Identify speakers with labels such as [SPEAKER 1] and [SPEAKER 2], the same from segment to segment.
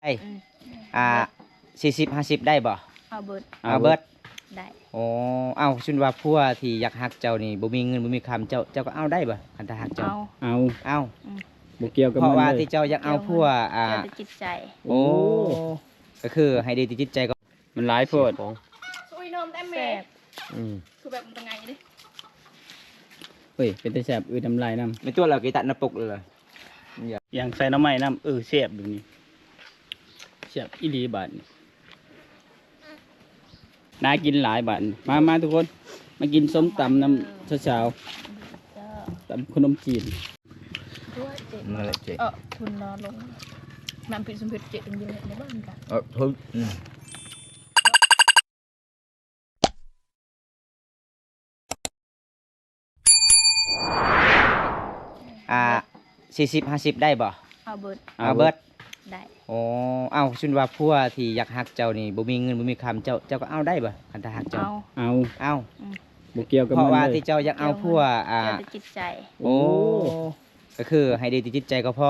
[SPEAKER 1] อ่า40-50ได้บ่
[SPEAKER 2] เอาเบิด
[SPEAKER 1] เอาเบิด
[SPEAKER 2] ได้
[SPEAKER 1] โอ้เอาชุนว่าผัวที่อยากฮักเจ้านี่บ่มีเงินบ่มีคำเจ้าก็เอาได้บ่คันถ้าฮักเจ้าเอา
[SPEAKER 3] บ่เกี่ยวกับ
[SPEAKER 1] เพราะว่า
[SPEAKER 3] มันเลย
[SPEAKER 1] ที่เจ้าอยากเอาผัว
[SPEAKER 2] เกี่ยวกับจิตใจ
[SPEAKER 1] โอ้ก็คือให้ดีที่จิตใจก็
[SPEAKER 3] มันหลายโพด
[SPEAKER 2] ซุยนมแต่แม่คือแบบมันเป็นไงดิ
[SPEAKER 3] เฮ้ยเป็นแต่แซ่บน้ำลายน้ำ
[SPEAKER 1] ในตัวเรากีตัดน้ำปกเลย
[SPEAKER 3] อย่างใส่น้ำไม้น้ำแซ่บดูนี่แซ่บอีหลีบาดนี่น่ากินหลายบาทมาทุกคนมากินส้มตำน้ำเช้าตำขนมจีน
[SPEAKER 1] นั่นแหละเจ๊
[SPEAKER 2] ทุนนอนลงน้ำพริกสมเผ็ดเจ๊ตรงเดียวในบ้านกัน
[SPEAKER 1] ทุน40-50ได้บ่
[SPEAKER 2] เอาเบิดได้
[SPEAKER 1] โอ้เอาชุนว่าผัวที่อยากฮักเจ้านี่บ่มีเงินบ่มีคำเจ้าก็เอาได้บ่คันถ้าฮักเจ้าเอา
[SPEAKER 3] บ่เกี่ยวกับ
[SPEAKER 1] เพราะว่า
[SPEAKER 3] มันเลย
[SPEAKER 1] ที่เจ้าอยากเอาผัว
[SPEAKER 2] เกี่ยวกับจิตใจ
[SPEAKER 1] โอ้ก็คือให้ดีที่จิตใจก็พอ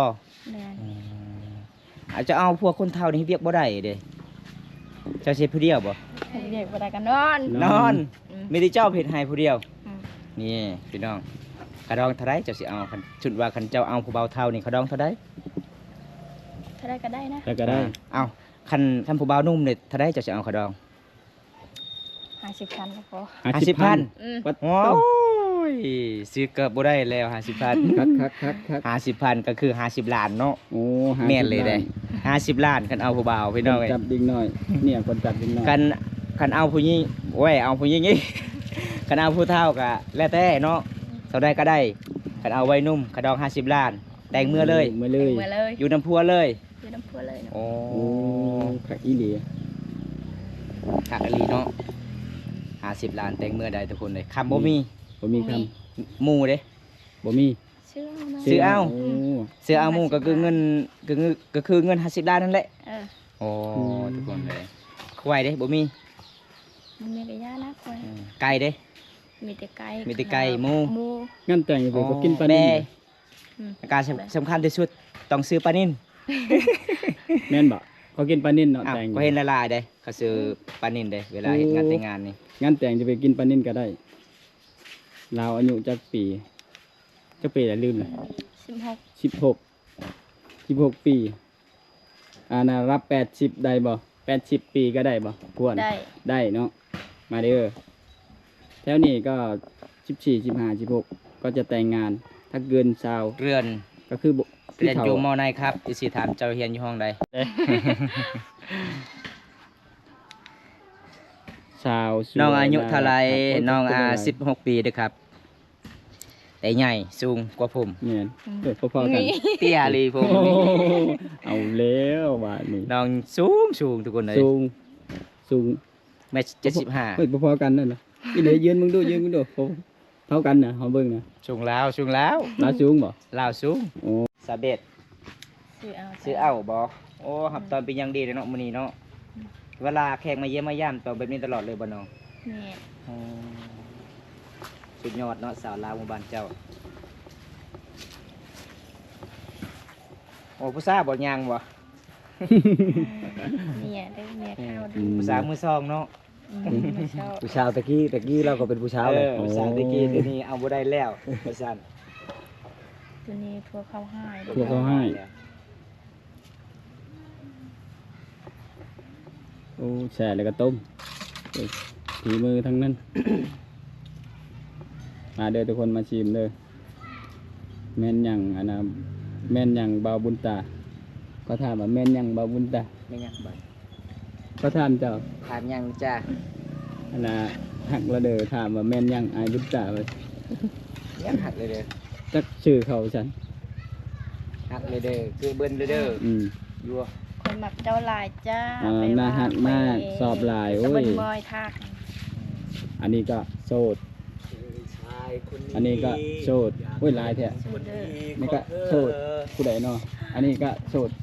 [SPEAKER 1] อาจจะเอาผัวคนเฒ่านี่เรียกบ่ได้เด้เจ้าเฮ็ดผู้เดียวบ่
[SPEAKER 2] เรียกบ่ได้กัน
[SPEAKER 1] นอนมีแต่เจ้าเฮ็ดให้ผู้เดียวนี่พี่น้องกระดองเท่าไรเจ้าสิเอาคันชุดว่าคันเจ้าเอาผู้เบาเท่านี่กระดองเท่าไร
[SPEAKER 2] ก็ได้นะ
[SPEAKER 3] ก็ได้
[SPEAKER 1] เอาคันผู้เบานุ่มเนี่ยเท่าไรเจ้าสิเอากระดอง
[SPEAKER 2] 50,000ก็พอ
[SPEAKER 1] 50,000โอ้ยซื้อเกือบบ่ได้แล้ว50,000
[SPEAKER 3] คัก
[SPEAKER 1] 50,000ก็คือ50ล้านเนาะ
[SPEAKER 3] โอ้
[SPEAKER 1] แม่นเลยได้50ล้านคันเอาผู้เบาพี่น้องเอ้ย
[SPEAKER 3] จับดิ่งน้อยเนี่ยคนจับดิ่งน้อย
[SPEAKER 1] คันเอาผู้หญิงโอ้ยเอาผู้หญิงนี่คันเอาผู้เฒ่าก็แล้วแต่เนาะเท่าใดก็ได้คันเอาไว้นุ่มกระดอง50ล้านแต่งเมื่อเลยอยู่น้ำพัวเลยโอ้
[SPEAKER 3] ขักอีหลี
[SPEAKER 1] ขักอีหลีเนาะ50ล้านแต่งเมื่อใดทุกคนเลยคำบ่มี
[SPEAKER 3] คำ
[SPEAKER 1] หมู่เด้
[SPEAKER 3] บ่มี
[SPEAKER 1] ซื้อเอาหมู่ก็คือเงินก็คือเงิน50ล้านนั่นแหละโอ้ทุกคนเลยควายเด้บ่มี
[SPEAKER 2] กระยานะควาย
[SPEAKER 1] ไก่เด้
[SPEAKER 2] มีแต่
[SPEAKER 1] ไก่หมู
[SPEAKER 3] งั้นแต่งไปก็กินปลานิ่ม
[SPEAKER 1] การสำคัญที่สุดต้องซื้อปลานิ่ม
[SPEAKER 3] แม่นบ่เขากินปลานิ่มเนาะแต่ง
[SPEAKER 1] ก็เห็นละลายเด้เขาซื้อปลานิ่มเด้เวลาเฮ็ดงานแต่งงานนี่
[SPEAKER 3] งั้นแต่งจะไปกินปลานิ่มก็ได้เราอายุจักปีแล้วลืมเลย16ปีน่ะรับ80ได้บ่80ปีก็ได้บ่ควรได้เนาะมาเด้อแถวนี้ก็14 15 16ก็จะแต่งงานถ้าเกิน20เ
[SPEAKER 1] รือน
[SPEAKER 3] ก็คือ
[SPEAKER 1] เรียนอยู่ม.ไหนครับสิถามเจ้าเรียนอยู่ห้องใดน้องอายุเท่าไรน้อง16 ปีเด้อครับแต่ใหญ่สูงกว่าผม
[SPEAKER 3] เนี่ยพอๆกัน
[SPEAKER 1] เตี้ยลีผม
[SPEAKER 3] เอาแล้วบาดนี้
[SPEAKER 1] น้องสูงทุกคนเลย
[SPEAKER 3] สูง
[SPEAKER 1] 1.75
[SPEAKER 3] เฮ้ยพอๆกันนั่นน่ะอีเหลยยืนมึงดูเท่ากันน่ะเฮาเบิ่งน่ะ
[SPEAKER 1] สูงแล้ว
[SPEAKER 3] สูงบ่
[SPEAKER 1] ลาวสูง
[SPEAKER 3] โอ้
[SPEAKER 1] สาเบ็ดซื้อเอาบ่โอ้ครับตอนเป็นยังดีเลยเนาะมื้อนี้เนาะเวลาแขกมาเยี่ยมมาย่ำตอนแบบนี้ตลอดเลยบ่น้อง
[SPEAKER 2] นี่
[SPEAKER 1] สุดยอดเนาะสาวลาวหมู่บ้านเจ้าโอ้ผู้สาวบ่ยางบ่
[SPEAKER 2] เนี่ยได้เมียเข้าดู
[SPEAKER 1] ผู้สาวมือซองเนาะ
[SPEAKER 3] ผู้สาวตะกี้เราก็เป็นผู้สาวเลย
[SPEAKER 1] ผู้สาวตะกี้เดี๋ยวนี้เอาบ่ได้แล้วว่าซั่น
[SPEAKER 2] ตัวนี้ทั่วเข้า
[SPEAKER 3] ให้โอ้แช่แล้วก็ต้มฝีมือทั้งนั้นมาเด้อทุกคนมาชิมเด้อแม่นยังแม่นยังเบาบุญตาก็ถามว่าแม่นยังเบาบุญตา
[SPEAKER 1] แม่นยังบ่
[SPEAKER 3] ก็ถามเจ้า
[SPEAKER 1] ถามยังจ้า
[SPEAKER 3] หักละเด้อถามว่าแม่นยังอายบุญตาไป
[SPEAKER 1] ยังหักเลยเด้อ
[SPEAKER 3] จักชื่อเขาฉัน
[SPEAKER 1] หักเลยเด้อคือเบิ้นเลยเด้อยัว
[SPEAKER 2] คนหมักเจ้าลายจ้า
[SPEAKER 3] น่าหักมากสอบลายโอ้ยอันนี้ก็โสดอันนี้ก็โสดโอ้ยลายแท้นี่ก็โสดผู้ใดเนาะอันนี้ก็โสด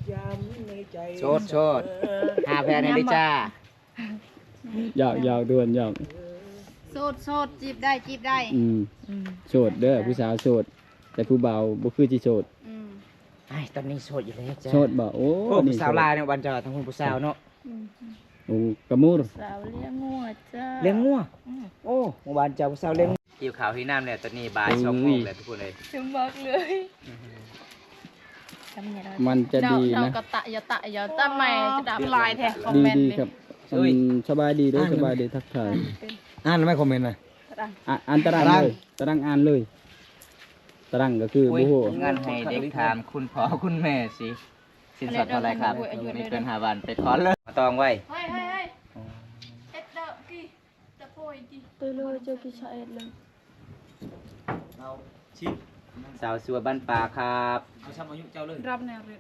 [SPEAKER 1] หาแฟนได้จ้า
[SPEAKER 3] หยอกด่วนหยอก
[SPEAKER 2] โสดจีบได้
[SPEAKER 3] โสดเด้อผู้สาวโสดแต่ผู้เบาบ่คือสิโสด
[SPEAKER 1] ไอ้ตอนนี้โสดอยู่แล้วจ้า
[SPEAKER 3] โสดบ่โอ้
[SPEAKER 1] โอ้
[SPEAKER 3] นี่
[SPEAKER 1] ผู้สาวลายเนี่ยวันเจอทั้งคนผู้สาวเนาะ
[SPEAKER 3] โอ้กระมูร
[SPEAKER 2] สาวเลี้ยงงัวจ้า
[SPEAKER 1] เลี้ยงงัวโอ้เมื่อวานเจอผู้สาวเลี้ยงหิวข่าวที่น้ำเนี่ยตอนนี้บ่าย2 โมงเลยทุกคนเลย
[SPEAKER 2] ถึงบอกเลยทำไงได้
[SPEAKER 3] มันจะดี
[SPEAKER 2] เรา
[SPEAKER 3] นะ
[SPEAKER 2] ก็ตะอย่าตะแม่จะดับลายแทนคอม
[SPEAKER 3] ดี
[SPEAKER 2] เมนต์
[SPEAKER 3] ดี
[SPEAKER 2] เลย
[SPEAKER 3] ครับสบายดีเด้วยสบายดีทักทาย
[SPEAKER 4] อ่านไม่คอมเมนต์นะ
[SPEAKER 3] อ่านตารางเลยตารางอ่านเลยตารางก็คือ
[SPEAKER 1] อุ้ย
[SPEAKER 3] โอ้โห
[SPEAKER 1] เงินให้เด็กถามคุณพ่อคุณแม่สิสินสอดเท่าไรครับมีเกิน5 วันไปขอเลยมาตองไว้
[SPEAKER 2] เฮ้ยเอ็ดเดอร์กี่ตะโพยกี่ตัวเลยเจอกี่ชาเอ็ดเลย
[SPEAKER 1] สาวสัวบ้านป่าครับ
[SPEAKER 2] รับแนวเรียน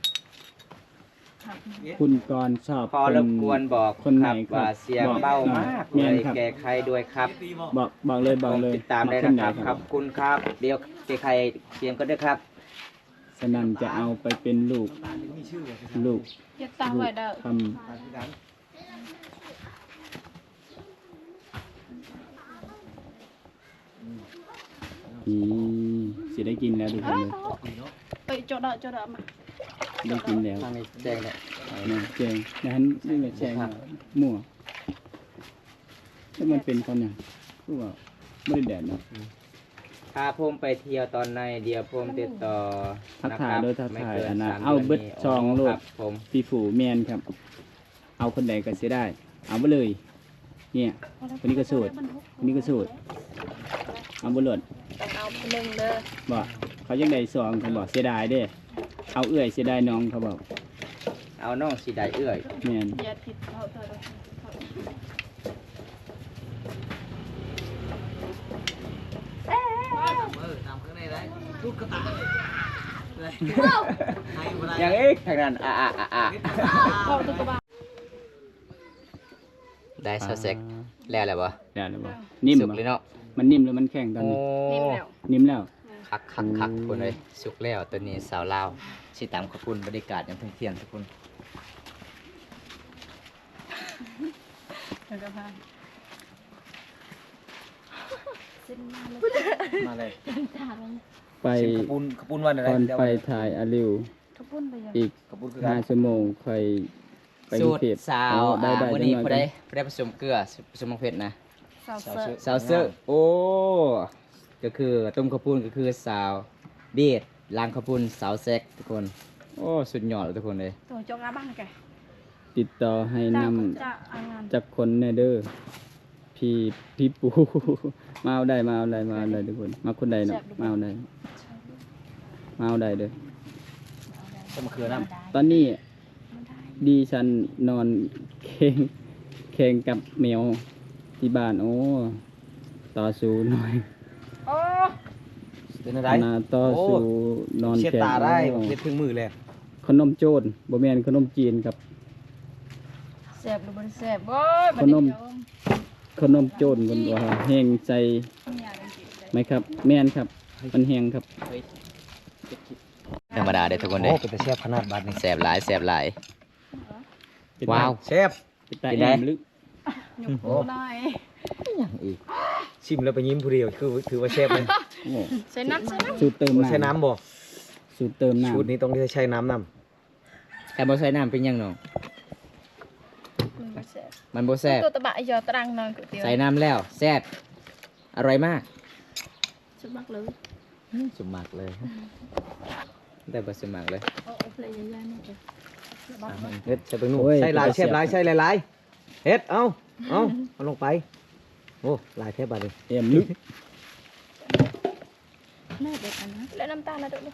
[SPEAKER 3] คุณกรชอบ
[SPEAKER 1] ขอรบกวนบอก
[SPEAKER 3] คนไหน
[SPEAKER 1] ครับว่าเสียงเบามากเล
[SPEAKER 3] แม่น
[SPEAKER 1] ย
[SPEAKER 3] ครับ
[SPEAKER 1] แก้ไขด้วยครับ
[SPEAKER 3] บอกเลยบอกเลย
[SPEAKER 1] ติดตามได้
[SPEAKER 3] คน
[SPEAKER 1] นะ
[SPEAKER 3] ไห
[SPEAKER 1] ครับขอบคุณครับเดี๋ยวแก้ไขเสียงก็ด้วยครับ
[SPEAKER 3] สนั่นจะเอาไปเป็นลูก ลูก
[SPEAKER 2] อย่าตามไว้เด้อ
[SPEAKER 3] ทำสิได้กินแล้วทุกคนเลย
[SPEAKER 2] เอ้ยจดเด้อมา
[SPEAKER 3] ได้กินแล้ว
[SPEAKER 1] ทางนี้แจ้งเลย
[SPEAKER 3] นะแจงนะฮันนี่แหละแจงมั่วถ้ามันเป็นตอนเนี่ยคือว่าไม่ได้แดดเนาะ
[SPEAKER 1] พาผมไปเที่ยวตอนในเดียวผมติดต่อ
[SPEAKER 3] ทักทาย
[SPEAKER 1] นะครับ
[SPEAKER 3] ด้วยทัก
[SPEAKER 1] ไม่
[SPEAKER 3] ทาย
[SPEAKER 1] กิ
[SPEAKER 3] อันนะ
[SPEAKER 1] 3
[SPEAKER 3] เอาเบิด
[SPEAKER 1] ดืนนี้
[SPEAKER 3] ซองโล
[SPEAKER 1] ค
[SPEAKER 3] ด
[SPEAKER 1] รับผม
[SPEAKER 3] ปีฝูแมนครับ เอาคนใดก็เสียได้ เอาไปเลย เนี่ยคนนี้ก็สูตรคนนี้ก็สูตรเอาบุหรี่
[SPEAKER 2] ต้องเอาหนึ่งเด้อ
[SPEAKER 3] บอกเขายังได้ซองเขาบอกเสียดายเด้เอาเอื้อยเสียดายน้องเขาบอก
[SPEAKER 1] เอาน้องสีได้เอื้อย
[SPEAKER 3] แมน
[SPEAKER 2] อย่าผิดเขาเถอะ
[SPEAKER 1] อย่างอีกทางนั้น
[SPEAKER 2] เขาตัวกระบะ
[SPEAKER 1] ได้ซอสเซ็กแล้วอะไรบ่
[SPEAKER 3] ได้แล้วบอกนิ่ม
[SPEAKER 1] สุก
[SPEAKER 3] บ่
[SPEAKER 1] เลยเนาะ
[SPEAKER 3] มันนิ่มแล้วมันแข็งตอนนี้
[SPEAKER 2] นิ่มแล้ว
[SPEAKER 3] นิ่มแล้ว
[SPEAKER 1] คักคนเลยสุกแล้วตัวนี้สาวลาวสิตามขอบคุณบริการอย่างเที่ยงทุกคน
[SPEAKER 2] แล้วก็พา
[SPEAKER 4] มาเลย
[SPEAKER 3] ไป
[SPEAKER 4] ขปุ้นวันอะไร
[SPEAKER 3] ก่อนไปถ่ายอาริว
[SPEAKER 2] ทุกปุ้นไปยัง
[SPEAKER 3] อีก
[SPEAKER 4] ขปุ้นคือกัน
[SPEAKER 3] 5 ชั่วโมงค่อยไปก
[SPEAKER 1] สู
[SPEAKER 3] รุง
[SPEAKER 1] ตร
[SPEAKER 3] เทพ
[SPEAKER 1] สาว
[SPEAKER 3] ได้ได้
[SPEAKER 1] วัน
[SPEAKER 3] จั
[SPEAKER 1] นี้
[SPEAKER 3] งหน่
[SPEAKER 1] ผู้
[SPEAKER 3] อย
[SPEAKER 1] ได้ผสมเกลือผสมมะเขือนะ
[SPEAKER 2] สาวเสิร์ฟ
[SPEAKER 1] สาวเสื้อโอ้ก็คือต้มข้าวปุ้นก็คือสาวเบียดล้างข้าวปุ้นสาวแซกทุกคนโอ้สุดยอดเลยทุกคนเลย
[SPEAKER 2] ตัวจงอาบ้างแก
[SPEAKER 3] ติดต่อให้นำ
[SPEAKER 2] จะอางาน
[SPEAKER 3] จากคนแนเดอร์พี่ปู มาเอาได้ทุกคนมาคนใดเนาะมาเอาได้เด้อ
[SPEAKER 4] ต้มมะเขือน้
[SPEAKER 3] ตอนนี้ดีฉันนอนแข่งกับแมวที่บ้านโอ้ต่อสู้หน่อย
[SPEAKER 2] โอ้
[SPEAKER 4] ำเป็นอะไร
[SPEAKER 3] ขนาดต่อสู้นอน
[SPEAKER 4] เช็ด
[SPEAKER 3] แข่ง
[SPEAKER 4] ตาได้
[SPEAKER 3] โอ้
[SPEAKER 4] เช็ดถึงมือเลย
[SPEAKER 3] ขนมโจรบ่แม่นขนมจีนครับ
[SPEAKER 2] แสบหรือบนแสบโอ้ย
[SPEAKER 3] ขนม ขนมโจรคนว่าแห้งใจไหมครับ แม่นครับ มันแห้งครับ
[SPEAKER 1] ธรรมดาเด้อทุกคนเล
[SPEAKER 4] โอ้
[SPEAKER 1] ย
[SPEAKER 4] เป็นแต่แซ่บขนาดบาดนี่
[SPEAKER 1] แสบหลายว้าว
[SPEAKER 4] แซ่บ
[SPEAKER 3] เป็นตา
[SPEAKER 1] เป็น
[SPEAKER 3] แอ
[SPEAKER 1] ไง
[SPEAKER 3] มลึก
[SPEAKER 2] หยุกหูหน่อย
[SPEAKER 1] อย่างอีก
[SPEAKER 4] ชิมแล้วไปยิ้มผู้เดียวคือถือว่าแซ่บเลย
[SPEAKER 3] โอ้
[SPEAKER 2] ใส่น้ำ
[SPEAKER 3] สูตรเติม
[SPEAKER 4] บ่
[SPEAKER 3] น้ำ
[SPEAKER 4] ใช้น้ำบ่
[SPEAKER 3] สูตรเติมน้ำ
[SPEAKER 4] ชุดนี้ต้องใช้น้ำน
[SPEAKER 1] แต่บ่ใส่น้ำเป็นหยังน้องมันบ่แซ่บ
[SPEAKER 2] ตัวตะบะยอตรังนอนก๋วยเตี๋ยว
[SPEAKER 1] ใส่น้ำแล้วแซ่บอร่อยมาก
[SPEAKER 2] ชุบมักเลย
[SPEAKER 1] สมมักเลยได้บ่สมมักเลย
[SPEAKER 2] โอ้เพลย์ยานี่จ้ะ
[SPEAKER 4] ำเฮ็ดใส่ไปนู่นใส่หลายแซ่บหลายใส่หลายๆเฮ็ดเอาลงไปโอ้หลายแทบบาดเลย
[SPEAKER 3] แอมลึก
[SPEAKER 2] แม่เด็กอันนะแล้วน้ำตาลนะเด็กเลย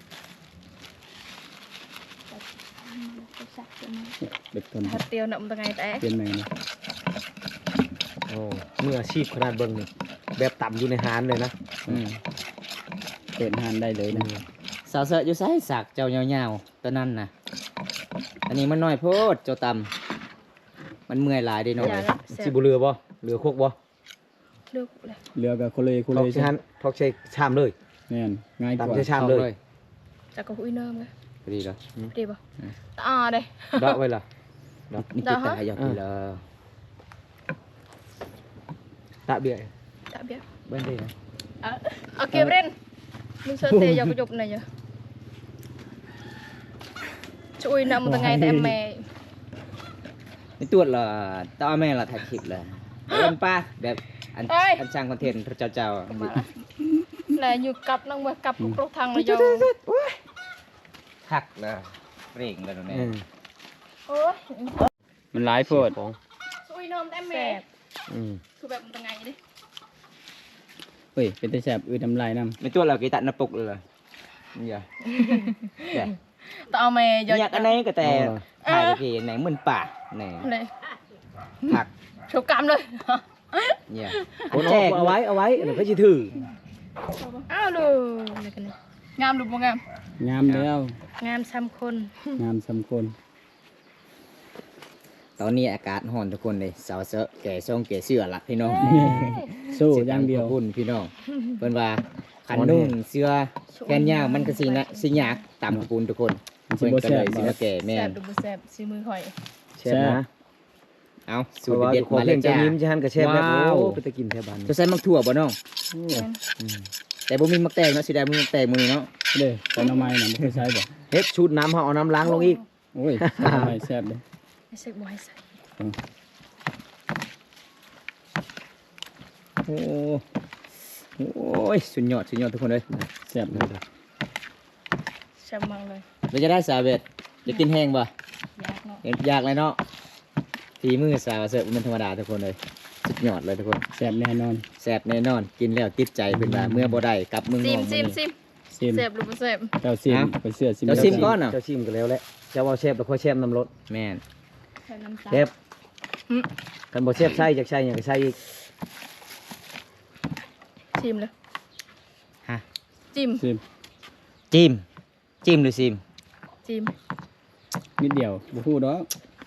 [SPEAKER 3] เด็กคน
[SPEAKER 2] ถ้าเตียวหนมตะไงแต่
[SPEAKER 3] เป็นไงนะ
[SPEAKER 4] โอ้มืออาชีพขนาดเบิ่งนี่แบบต่ำอยู่ในหานเลยนะ
[SPEAKER 1] อืม
[SPEAKER 3] เปิดหานได้เลยนะ
[SPEAKER 1] สาวเสอะอยู่ไสสักเจ้ายาวๆตอนนั้นน่ะอันนี้มันน้อยโพดเจ้าตำมันเมื่อยหลายเด้น้อง
[SPEAKER 2] อย่า
[SPEAKER 1] เอ้ย
[SPEAKER 2] ละแส
[SPEAKER 4] สิ
[SPEAKER 2] บ
[SPEAKER 4] บ่เรือบ่เรือโคกบ่
[SPEAKER 2] เลือกเลย
[SPEAKER 3] เรือกับโคเล
[SPEAKER 4] ทอกใช้หันทอกใช้ชามเลย
[SPEAKER 3] แม่นง่ายกว่า
[SPEAKER 4] ตำใช้ชามเลย
[SPEAKER 2] จากก็หุ้ยเนิ่มเลย
[SPEAKER 1] พอดีแล้ว
[SPEAKER 2] ดีป่ะเด้
[SPEAKER 4] ดอกไว้ล่ะ
[SPEAKER 1] นี่ติดตาอยากกินเลย
[SPEAKER 4] ตะเบี้ย
[SPEAKER 2] จะเบี้ย
[SPEAKER 1] เบิ้นได้นะ
[SPEAKER 2] โอเคเรนมึงเชิญเตยอยากจบหน่อยจ้ะช่วยนำตั้งไงแต่แม่
[SPEAKER 1] ไม่ตรวจเหรอต้องเอาแม่เราถ่ายคลิปเลยเป็นป้าแบบอันสร้างคอนเทนต์เจ้า
[SPEAKER 2] มาละแล้วอยู่กับน้องมากับกรุกทางระยอง
[SPEAKER 1] ทักเลยเร่งเลยตรงนี้
[SPEAKER 2] โอ้ย
[SPEAKER 3] มันหลายโพด
[SPEAKER 2] ช่วยนำแต่แม่คือแบบตั้งไงดิ
[SPEAKER 3] เฮ้ยเป็นแต่แซ่บน้ำลายน้
[SPEAKER 1] ไม่ตรวจเรากี่ตัดหน้าปกเลยนี่ย
[SPEAKER 2] ต้องเอาแม่ย
[SPEAKER 1] อยากอันไหนก็แต่ถ่ายกี่ไหนเหมือนป่าไหน
[SPEAKER 2] เลย
[SPEAKER 1] ผัก
[SPEAKER 2] โชว์กรรมเลย
[SPEAKER 1] เนี่ย
[SPEAKER 4] เอาไว้เดี๋ยวก็จะถือ
[SPEAKER 2] อ้าวดูอะไรกันเนี่ยงามดูบ่งาม
[SPEAKER 3] ำงามแล้ว
[SPEAKER 2] งามซ้ำคน
[SPEAKER 3] งามสำคน
[SPEAKER 1] ตอนนี้อากาศร้อนทุกคนเลยสาวเสอะแก่ส่งแก่เสื้อละพี่น้อง
[SPEAKER 3] สู้อย่างเดียว
[SPEAKER 1] คุณพี่น้องเพิ่นว่าขันนุ่งเสื้อแขนยาวมันก็สิยากตามปูนทุกคน
[SPEAKER 3] มันสิ
[SPEAKER 1] เพิ่น
[SPEAKER 3] บ่
[SPEAKER 1] ก็
[SPEAKER 3] แซ่
[SPEAKER 1] เล
[SPEAKER 3] บ
[SPEAKER 1] ยสิ
[SPEAKER 3] บ่
[SPEAKER 1] มาแก่แม่
[SPEAKER 2] แซ่บ
[SPEAKER 1] น
[SPEAKER 2] ดูบ่แซ่บซีมือข่อย
[SPEAKER 4] แช่นะ
[SPEAKER 1] เอา
[SPEAKER 4] เพ
[SPEAKER 1] สูต
[SPEAKER 4] ราะ
[SPEAKER 1] ร
[SPEAKER 4] ว่า
[SPEAKER 1] เด็ด
[SPEAKER 4] ขอ
[SPEAKER 1] มา
[SPEAKER 4] เพ
[SPEAKER 1] เล
[SPEAKER 4] ล
[SPEAKER 1] ย
[SPEAKER 4] งจะ
[SPEAKER 1] จ้า
[SPEAKER 4] ยิ้มจะหันกับแช่แบบ
[SPEAKER 1] ว้าว
[SPEAKER 4] โอ้ไปตะกินแท่บ้าน
[SPEAKER 1] จะใส่มักถั่วบ่น้อง
[SPEAKER 3] โอ้
[SPEAKER 1] แต่บ่มีมักแตงเนาะสิได้มีมักแตงมื้อนี้เนาะ
[SPEAKER 3] เด้อแต่น้ำไม้น่ะบ่เคยใช้บ่
[SPEAKER 4] เฮ็ดชุดน้ำเอาน้ำล้างลงอีก
[SPEAKER 3] โอ้ยใส่น้ำไม้แซ่บเด้อ
[SPEAKER 2] ไอ้เสกบ่ให้ใส่
[SPEAKER 1] โอ้โอ้ยสุดยอดทุกคนเลย
[SPEAKER 3] แซ่บเลย
[SPEAKER 2] แซ่บมากเลย
[SPEAKER 1] เราจะได้สาเวทจะกินแห้งบ่
[SPEAKER 2] ยากเนาะ
[SPEAKER 1] ยากเลยเนาะฝีมือสาวเสิร์ฟมันธรรมดาทุกคนเลยสุดยอดเลยทุกคน
[SPEAKER 3] แซ่บแน่นอน
[SPEAKER 1] แซ่บแน่นอนกินแล้วติดใจเป็นว่าเมื่อบ่ได้กลับเมืองน
[SPEAKER 2] ซิ
[SPEAKER 1] อ
[SPEAKER 2] ม
[SPEAKER 1] ก
[SPEAKER 2] ซิมซิม
[SPEAKER 3] ซิม
[SPEAKER 2] แซ่บดูบ่แซ่บ
[SPEAKER 3] เจ้าซิม
[SPEAKER 1] ฮะ
[SPEAKER 3] ไปเสื้อซิม
[SPEAKER 1] เจ้าซิมก่อน
[SPEAKER 4] เจ้าชิมกันแล้วแหละเจ้าเอาแช่แล้วค่อยแช่น้ำรส
[SPEAKER 1] แม่น
[SPEAKER 2] ใส่น้ำตาล
[SPEAKER 4] แช่กันบ่แช่ใช่จากใช่อย่างก็ใช่อีก
[SPEAKER 2] ชิมเลย
[SPEAKER 1] ฮะ
[SPEAKER 2] จิ้ม
[SPEAKER 3] ซิม
[SPEAKER 1] จิ้มหรือซิม
[SPEAKER 2] จิ้ม
[SPEAKER 3] นิดเดียวบ่พูดดอก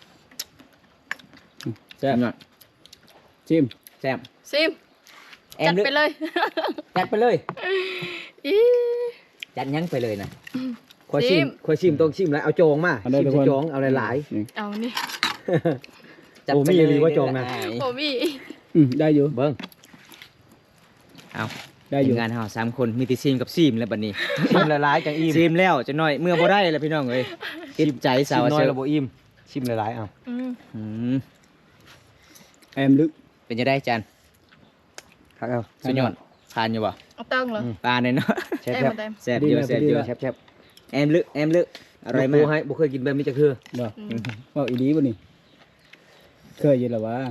[SPEAKER 3] แซ่บ
[SPEAKER 1] หน่อย
[SPEAKER 3] ซิม
[SPEAKER 1] แซ่บ
[SPEAKER 2] ซิม
[SPEAKER 1] แอ
[SPEAKER 2] จั
[SPEAKER 1] ม
[SPEAKER 2] ด
[SPEAKER 1] ลึก
[SPEAKER 2] ไปเลย
[SPEAKER 1] จัดไปเลย
[SPEAKER 2] อี
[SPEAKER 1] จัดยั้งไปเลยนะ
[SPEAKER 4] ค่อยชิมค่อยชิมต้องชิมแล้วเอาโจงมา
[SPEAKER 3] เอาได้
[SPEAKER 4] ชิม
[SPEAKER 3] ทุกคน
[SPEAKER 4] โจงเอาหลาย
[SPEAKER 3] นี่
[SPEAKER 2] เอานี่
[SPEAKER 1] จัด
[SPEAKER 4] โอ้
[SPEAKER 1] ไป
[SPEAKER 4] มี
[SPEAKER 1] เลย
[SPEAKER 4] อีหลีว่าโจงนะ
[SPEAKER 2] โอ้มี
[SPEAKER 3] ได้อยู่
[SPEAKER 4] ๆเบิ้ง
[SPEAKER 1] เอา
[SPEAKER 3] ได้อยู่
[SPEAKER 1] ทีมงานเฮา3คนมีแต่ซิมกับซิมแล้วบัดนี้
[SPEAKER 4] ชิมหลายๆจังอิ่ม
[SPEAKER 1] ซิมแล้วจะน้อยเมื่อบ่ได้แล้วพี่น้องเอ้ยติดใจสาว
[SPEAKER 4] ชิมน้อ
[SPEAKER 1] เสิ
[SPEAKER 4] ย
[SPEAKER 1] ร์
[SPEAKER 4] ระ
[SPEAKER 1] ฟ
[SPEAKER 4] บบอิ่มชิมหลายๆเอา
[SPEAKER 2] อืม
[SPEAKER 1] อืม
[SPEAKER 3] แอมลึก
[SPEAKER 1] เป็นจะได้จัน
[SPEAKER 4] ครับเอา
[SPEAKER 1] สุดยอดทานอยู่บ่
[SPEAKER 2] เอาตั้งเหรอ
[SPEAKER 1] ปลาเนี่ยเนาะ
[SPEAKER 4] แช่
[SPEAKER 2] ได้
[SPEAKER 4] แซ่บ
[SPEAKER 2] มาได้
[SPEAKER 1] แซ่บเยอะแซ่บเยอะ
[SPEAKER 4] แซ่บ
[SPEAKER 1] แอมลึกอร่อย
[SPEAKER 4] ปู
[SPEAKER 1] มาก
[SPEAKER 4] ให้บ่เคยกินแบบนี้จักคือ
[SPEAKER 3] บ่ว่าอีดีบ่นี่เคยอยู่แล้ววะ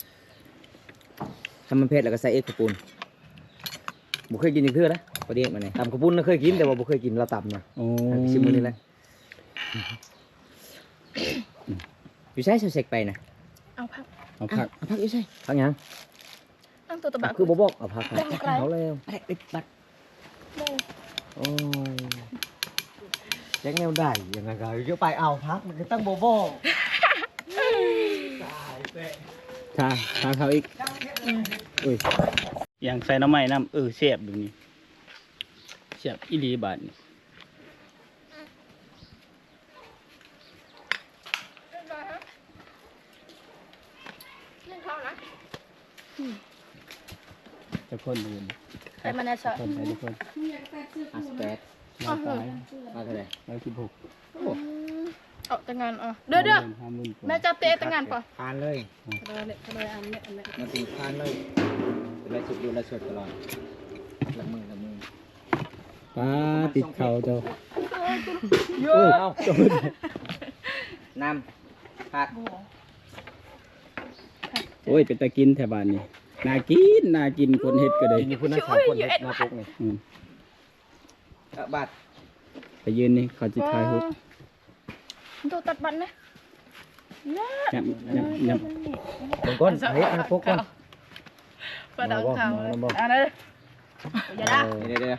[SPEAKER 1] ทำมันเผ็ดแล้วก็ใส่เอ็กซ์ปูน
[SPEAKER 4] บ่เคยกินจักคือนะ
[SPEAKER 1] พอดีมาเนี่ย
[SPEAKER 4] ตำกระปุ้นน่ะเคยกินแต่ว่าบ่เคยกินเราตำนะ
[SPEAKER 3] โอ้
[SPEAKER 4] ชิมมื้อนี้แหละ
[SPEAKER 1] อยู่ใช้เสกไปนะ
[SPEAKER 2] เอาพัก
[SPEAKER 3] เอาผัก
[SPEAKER 1] เอาพักอยู่ใช่
[SPEAKER 4] พักหยัง
[SPEAKER 2] ตั้งตัวตะบะ
[SPEAKER 4] คือบ่บอกเอาพัก
[SPEAKER 2] ได้ไกล
[SPEAKER 4] เอาแล้ว
[SPEAKER 1] ไปได้บัด
[SPEAKER 4] โอ้ยแจ็คแนวได้ยังไงก็จะไปเอาพักมันก็ตั้งบ่บอก
[SPEAKER 3] ทาเขาอีกอุ้ยอย่างใส่น้ำไม้น้ำแซ่บแบบนี้แซ่บอีหลีบาดนี่
[SPEAKER 2] เล่นข้าวนะ
[SPEAKER 3] จะคนดูน
[SPEAKER 2] แต่มันน่าจะ
[SPEAKER 3] คนใส่ทุกคน
[SPEAKER 1] 58
[SPEAKER 3] มาตาย
[SPEAKER 1] มาเท่าไหร่
[SPEAKER 3] 116
[SPEAKER 2] เอาแต่งานเดี๋ยวแม่จับเตะแต่งานป่ะ
[SPEAKER 1] ทานเลย
[SPEAKER 2] เลยอันนี้
[SPEAKER 1] มาตีทานเลยเป็นไรสุดดูแลสดตลอดละมือ
[SPEAKER 3] ป้าติดเข่าเจ้า
[SPEAKER 2] เย
[SPEAKER 3] โอ้ย
[SPEAKER 2] อะ
[SPEAKER 1] น้ำผัก
[SPEAKER 3] โอ้ยเป็นตะกินแถวบ้านนี่น่ากินคนเฮ็ดก็ได้
[SPEAKER 4] กินอยู่พุ่นนะสามคนเด็ดมาปุ๊กนี่
[SPEAKER 1] บาท
[SPEAKER 3] ไปยืนนี่เขาจิทายฮุบ
[SPEAKER 2] ตัวตัดบันนะ
[SPEAKER 3] ยับ
[SPEAKER 4] เบิ่งก้อนเฮ้ยมาปุ๊กก้อน
[SPEAKER 2] กระดังข่าว
[SPEAKER 4] มาบอก
[SPEAKER 2] อันนั้นอย่าด่า
[SPEAKER 1] เดี๋ยว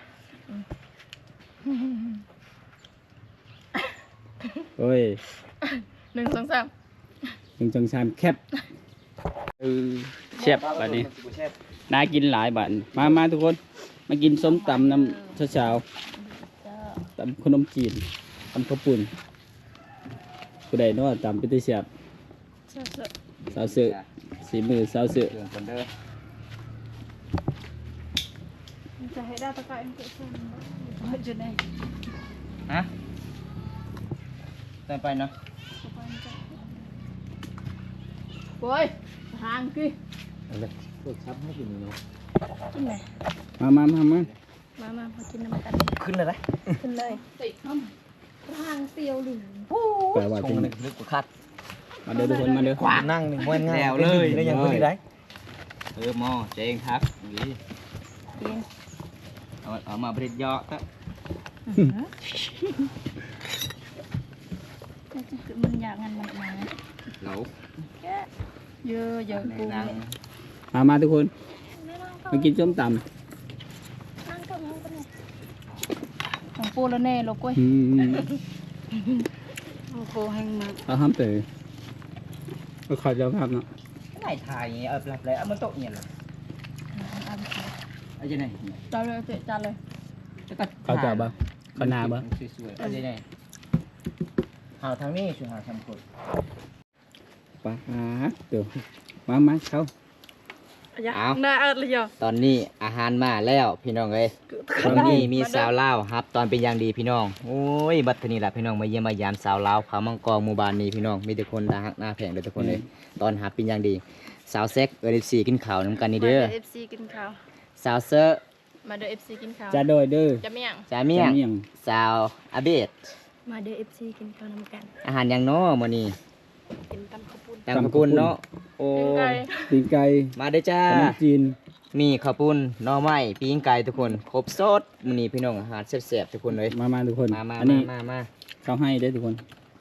[SPEAKER 3] โอ้ย
[SPEAKER 2] 1 2 3
[SPEAKER 3] 1 2 3แคบแซ่บบัดนี้น่ากินหลายบาทมาทุกคนมากินส้มตำน้ำเช้าๆตำขนมจีนตำข้าวปุ้นผู้ใดเนาะตำเป็นตัวแซ่บสาวเสือสีมือสาวเสือ
[SPEAKER 1] เรื่องคนเด้อ
[SPEAKER 2] จะให้ได้ตะไคร้เกิดขึ้นจุดไหน
[SPEAKER 1] ฮะเติมไปเนาะ
[SPEAKER 2] โอ้ยทางกี่
[SPEAKER 4] เอาเลยพวกซับให้กินเนาะ
[SPEAKER 2] กินไหน
[SPEAKER 3] มา
[SPEAKER 2] มากินน้ำกัน
[SPEAKER 4] ขึ้นเลยนะ
[SPEAKER 2] ขึ้นเลยติดข้ามทางเตียวหรือ
[SPEAKER 3] แปลว่า
[SPEAKER 4] ช
[SPEAKER 3] จริ
[SPEAKER 4] ง
[SPEAKER 3] ง
[SPEAKER 4] นึกลึกกว่าคาด
[SPEAKER 3] มาเด้อทุกคนมาเด้อ
[SPEAKER 4] ขวานั่งหนึ่งวันง่ายได้ยังขึ้นได้
[SPEAKER 1] หม้อเจงครับนี่
[SPEAKER 2] กิน
[SPEAKER 1] เอามาบริจยอตะ
[SPEAKER 2] มันอยากงันมันมา
[SPEAKER 1] เหลา
[SPEAKER 2] เยอะเยอะกู
[SPEAKER 1] นั่ง
[SPEAKER 3] มาทุกคนมากินส้มตำ
[SPEAKER 2] ของปูแล้วแน่ลูกกุ้ย
[SPEAKER 3] อืม
[SPEAKER 2] โอ้โหแห้งมาก
[SPEAKER 3] เอาห้ามเตะก็ขอเจ้าภาพเนาะ
[SPEAKER 1] ไหนถ่ายหลับเลยมันตกเนี่ยหรอไอ้เจ้าไหน
[SPEAKER 2] จานเลยเตะจานเลย
[SPEAKER 3] เขาเจ้าบ่เขานาบ่
[SPEAKER 1] สวยๆไอ้เจ้าไหนหาทางนี้ช่วยหาทำกด
[SPEAKER 3] ปะเดี๋ยวมาเขา
[SPEAKER 2] น่าเอิดเลยอ่ะ
[SPEAKER 1] ตอนนี้อาหารมาแล้วพี่น้องเอ้ยตอนนี้มีสาวลาวครับ ตอนเป็นอย่างดีพี่น้องโอ้ยบัดทีนี้แหละพี่น้องมาเยี่ยมมายามสาวลาวผามังกรหมู่บ้านนี้พี่น้องมีแต่คนน่าฮักน่าแพงเลยทุกคนเลยตอนหาเป็นอย่างดีสาวเซ็กFC กินข้าวน้ำกันนี่เด้อ
[SPEAKER 2] เอฟซีกินข้าว
[SPEAKER 1] สาวเซอร์
[SPEAKER 2] มาเด้อเอฟซีกินข้าว
[SPEAKER 3] จะโดยเด้อ
[SPEAKER 2] จะเมี่ยง
[SPEAKER 1] จาเมียง
[SPEAKER 3] จะเมี่ยง
[SPEAKER 1] สาวอาเบด
[SPEAKER 2] มาเด้อเอฟซีกินข้าวน้ำกัน
[SPEAKER 1] อาหารอย่างน้อมื้อนี้
[SPEAKER 2] กินตำข้าวปุ้น
[SPEAKER 1] ตำข้าวปุ้นเนาะโอ้
[SPEAKER 3] ตีนไก่
[SPEAKER 1] มาเด้อจ้า
[SPEAKER 3] ขนมจีน
[SPEAKER 1] มีข้าวปุ้นหน่อไม้ปิ้งไก่ทุกคนครบสดมื้อนี้พี่น้องอาหารแซ่บๆทุกคนเลย
[SPEAKER 3] มาทุกคน
[SPEAKER 1] มา
[SPEAKER 3] อันนี้
[SPEAKER 1] มา
[SPEAKER 3] เขาให้ได้อทุกคน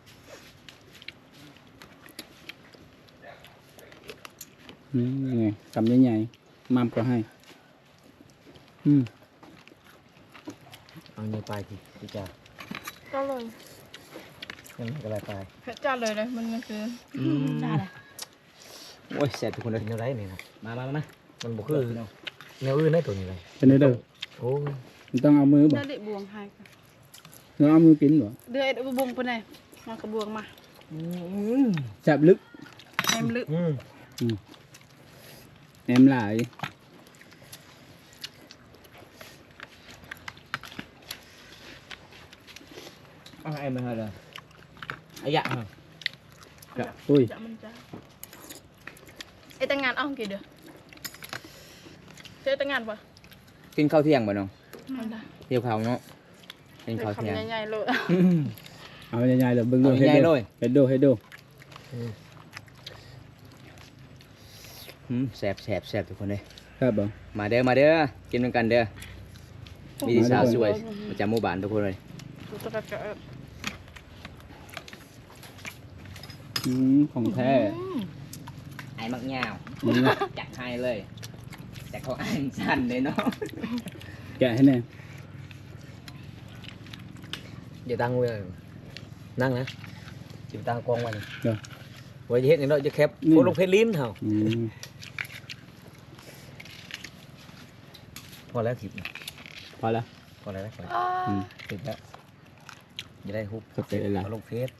[SPEAKER 3] ไงคำใหญ่ๆมามก็ให้อืม
[SPEAKER 4] เอาเนื้อไปพี่จ้า
[SPEAKER 2] ก็เลย
[SPEAKER 4] ยังไม่กระไรไป
[SPEAKER 2] จานเลยมันก็คือจานอะไร
[SPEAKER 1] โอ้ยแซ่บทุกคนเลย
[SPEAKER 4] กินอะไรนี่นะ
[SPEAKER 1] มา
[SPEAKER 4] มันบอกคือแนวอื่นได้ตัวนี้เลย
[SPEAKER 3] เป็นไงเด้อ
[SPEAKER 4] โอ้ย
[SPEAKER 3] มันต้องเอามือบ่
[SPEAKER 2] เดือดบวงให้
[SPEAKER 3] เราเอามือกินบ่
[SPEAKER 2] เดือดบวงไปไหนมากระบวงมา
[SPEAKER 3] แซ่บลึก
[SPEAKER 2] แอมลึก
[SPEAKER 3] แหนมหลาย
[SPEAKER 1] เอาไอ้มาเลยไอ้ยะฮะ
[SPEAKER 3] อุ้ย
[SPEAKER 2] จะมันจะไอ้แต่งงานเอากี่เดือนเจ๊แต่งงานปะ
[SPEAKER 1] กินข้าวเที่ยงบ่น้อง
[SPEAKER 2] มันได้
[SPEAKER 1] เที่ยวข้าวเนาะกินข้าวเที่ยง
[SPEAKER 2] คำใหญ่ๆเลย
[SPEAKER 3] เอาใหญ่ๆเลยเบิ่งดู
[SPEAKER 1] เอาใหญ่ๆเลย
[SPEAKER 3] เฮ็ดดู
[SPEAKER 1] แซ่บทุกคนเลย
[SPEAKER 3] ครับบ่
[SPEAKER 1] มาเด้อกินกันเด้อมีสาวสวยประจำหมู่บ้านทุกคนเลย
[SPEAKER 2] ดูตะกะ
[SPEAKER 3] ของแท้
[SPEAKER 1] ไอ้มักยาว
[SPEAKER 3] อืม
[SPEAKER 1] จัดให้เลย แต่เขาอ่านสั้นเลยเนาะ
[SPEAKER 3] แกะให้แน่
[SPEAKER 4] อย่าตั้งไว้เลยนั่งนะจิบตั้งกองไว้นี่
[SPEAKER 3] เดี๋ยว
[SPEAKER 4] ไว้จะเฮ็ดอย่างนั้นจะแคบ
[SPEAKER 3] นี่
[SPEAKER 4] โคลงเพชรลิ้นเหรอ
[SPEAKER 3] อืม
[SPEAKER 4] พอแล้วจิบ
[SPEAKER 3] พอแล้ว
[SPEAKER 4] พอแล้วนะ
[SPEAKER 3] อืม
[SPEAKER 4] ติดแล้วจะได้ฮุบ
[SPEAKER 3] เข้าใจแล้วล่ะ
[SPEAKER 4] เอาลงเพชร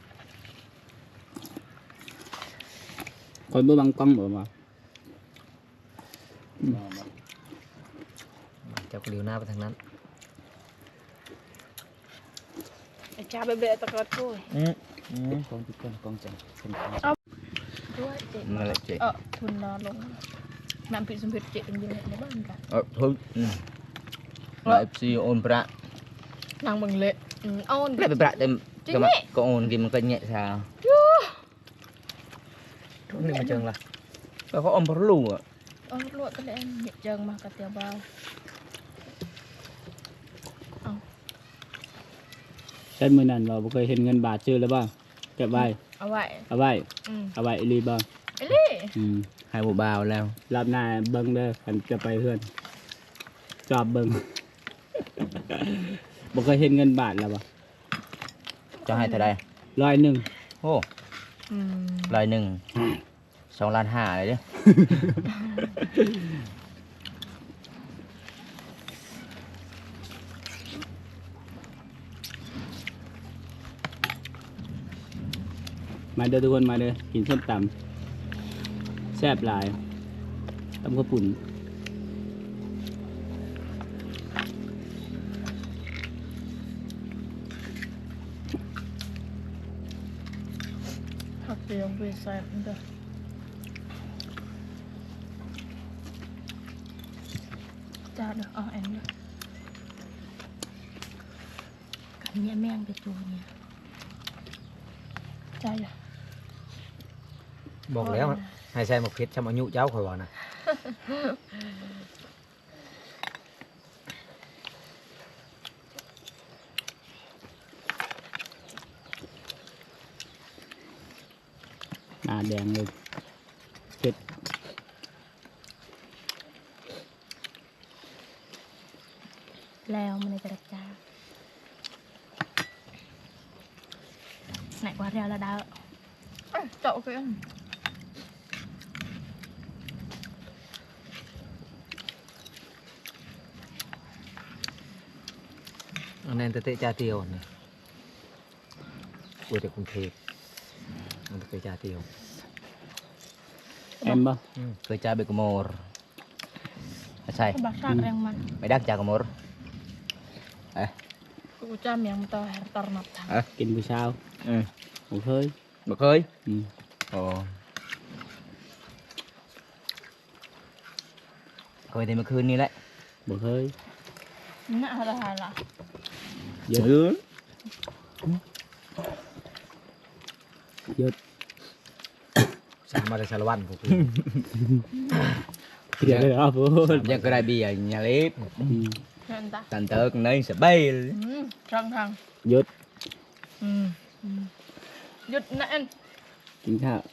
[SPEAKER 3] คนบ่บังกล้องบ่มา
[SPEAKER 4] เจ้ากลิ้วหน้าไปทางนั้น
[SPEAKER 2] ไอ้จ้าเบะตะกะกุ้ย
[SPEAKER 1] กองทุกคนกองจังเป็น
[SPEAKER 2] ด้วยเจ๊
[SPEAKER 1] นั่นแหละเจ๊
[SPEAKER 2] ทุนนอนลงน้ำผิดสมผิดเจ๊กันอยู่ในบ้านกัน
[SPEAKER 1] ทุกเราเอฟซีโอนประ
[SPEAKER 2] นางมึงเละเอา
[SPEAKER 1] ไม่เป็นประเต็มก็โอนกินมันก็แง่ชา
[SPEAKER 4] ทุกนี่มาเจิงละ
[SPEAKER 1] ก็เขาอมพลูอ่ะ
[SPEAKER 2] ลวดก็เลยเหยียบเจิงมากระเตียวเบา
[SPEAKER 3] ใช้มือนั่นเราบ่เคยเห็นเงินบาทชื่อแล้วบ่เก็บไว้
[SPEAKER 2] เอาไว้
[SPEAKER 3] เอาไว้อีหลีบ่
[SPEAKER 2] ไอ้ลี่
[SPEAKER 3] อืม
[SPEAKER 1] ให้ผู้บ่าวแล้ว
[SPEAKER 3] รอบหน้าเบิ่งเด้อคันจะไปเพื่อนจอบเบิ่ง บ่เคยเห็นเงินบาทแล้วบ่
[SPEAKER 1] จะให้เท่าไร
[SPEAKER 3] 100
[SPEAKER 1] โอ้101 2,500,000เลยเด้อ
[SPEAKER 3] มาเด้อทุกคนมาเด้อกินส้มตำแซ่บหลายตำข้าวปุ่น
[SPEAKER 2] ผักเดียวไปใส่มันเด้อจ้าเด้อเอาแอนเด้อกันเนี่ยแม่งไปจูเนี่ยจ้าอย่า
[SPEAKER 4] บอกแล้วให้ใส่หมกเพชรชำอายุเจ้าข่อยว่านะ
[SPEAKER 3] หน้าแดงเลยเผ็ด
[SPEAKER 2] แล้วมันจะจ้าไหนกว่าเรียวละดาวเจาะกัน
[SPEAKER 4] อันนั้นเตะจ่าเตียวนี่กูจากกรุงเทพมันเคยจ่าเตียว
[SPEAKER 3] แอมบ่
[SPEAKER 1] เคยจ่าเบกโมรใช่
[SPEAKER 2] บักซากแรงมัน
[SPEAKER 1] ไม่ดักจากกโมรเอ๊ะ
[SPEAKER 2] กูจำยังต่อตอนับทาง
[SPEAKER 3] กินผู้เช้าบ่เคย
[SPEAKER 1] บ่เคย
[SPEAKER 3] อืม
[SPEAKER 1] โอ้เคยแต่เมื่อคืนนี้แหละ
[SPEAKER 3] บ่เคย
[SPEAKER 2] น่าอะไรล่ะ
[SPEAKER 3] เยอะเยอะ
[SPEAKER 4] สั่งมาจากชาละวันพวกพี่
[SPEAKER 3] เดี๋ยวเลยครับพูด
[SPEAKER 1] ยังก็ได้เบียร์nhà lít
[SPEAKER 2] นั่นตา
[SPEAKER 1] thành tớ nơi sẽ bay
[SPEAKER 2] ช่างทาง
[SPEAKER 3] หยุด
[SPEAKER 2] หยุดนะเอ็น
[SPEAKER 3] กินข้าว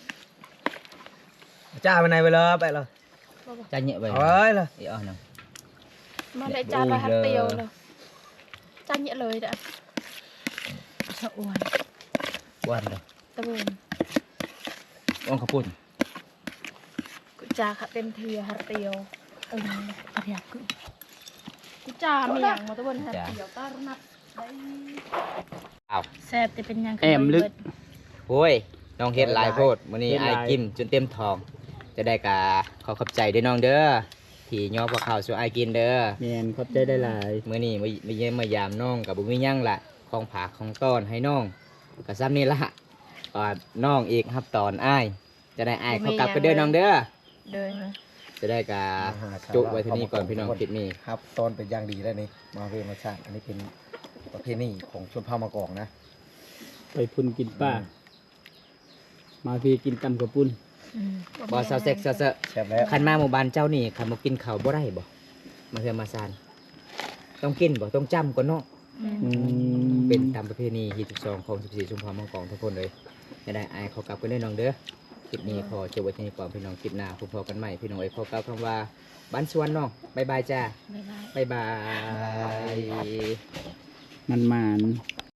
[SPEAKER 4] จ่าไปไหนไปเลยไปเลย
[SPEAKER 1] cha nhẹ vậy
[SPEAKER 4] เอ้ยเลย
[SPEAKER 1] thì nào
[SPEAKER 2] มาได้จานละฮัตเตียวเลยจานเยอะเลยเด้อสะอวน
[SPEAKER 1] quan rồi
[SPEAKER 2] ตะเวน
[SPEAKER 1] con khắp phun
[SPEAKER 2] กูจ่าค่ะเต็มทีฮัตเตียวอะไรกูจ่าไม่อย่างมาตะเวนฮัตเตียวตานับได้
[SPEAKER 1] ảo
[SPEAKER 2] แซ่บจะเป็นยัง
[SPEAKER 1] ôiน้องเฮ็ดหลายโพดมื้อนี้อ้ายกินจนเต็มท้อง จะได้กะขอขอบใจด้วยน้องเด้อที่ย่อพวกข้าวสู่อ้ายกินเด้อ
[SPEAKER 3] แมนขอบใจได้หลาย
[SPEAKER 1] มื้อนี้มาเยี่ยมมายามน้องกับบ่มีหยังล่ะของผากของต้อนให้น้องก็ซ้ำนี่ล่ะก็น้องอีกครับตอนอ้ายจะได้อ้ายเขากลับไปเด้อน้องเด้อ
[SPEAKER 2] เดิน
[SPEAKER 1] จะได้กะจุไว้ที่นี่ก่อนพี่น้องคลิปนี้
[SPEAKER 4] ครับตอนเป็นอย่างดีแล้วนี่มาเรียนมาชาติอันนี้เป็นประเพณีของชนเผ่ามากอกนะ
[SPEAKER 3] ไปพุ่นกินป้า มาพี่กินตำกระปุ้น
[SPEAKER 1] บ่เซาเซ็กเซาเซอะ
[SPEAKER 4] แซ่บแล้ว
[SPEAKER 1] คันมาหมู่บ้านเจ้านี่คันบ่กินข้าวบ่ได้บ่มาเฮือมาซานต้องกินบ่ต้องจำก่อนเนาะ
[SPEAKER 3] อืม
[SPEAKER 1] เป็นตามประเพณีที่12ของ14ชุมพรมังกรทุกคนเลยจะได้อายเขากลับกันได้น้องเด้อคลิปนี้ขอจบไว้ที่นี่ก่อนพี่น้องคลิปหน้าพบกันใหม่พี่น้องเอ้ยขอกล่าวคำว่าบ้านสวนน้องบ๊ายบายจ้า
[SPEAKER 2] บ๊ายบาย
[SPEAKER 1] บ๊ายบาย
[SPEAKER 3] มัน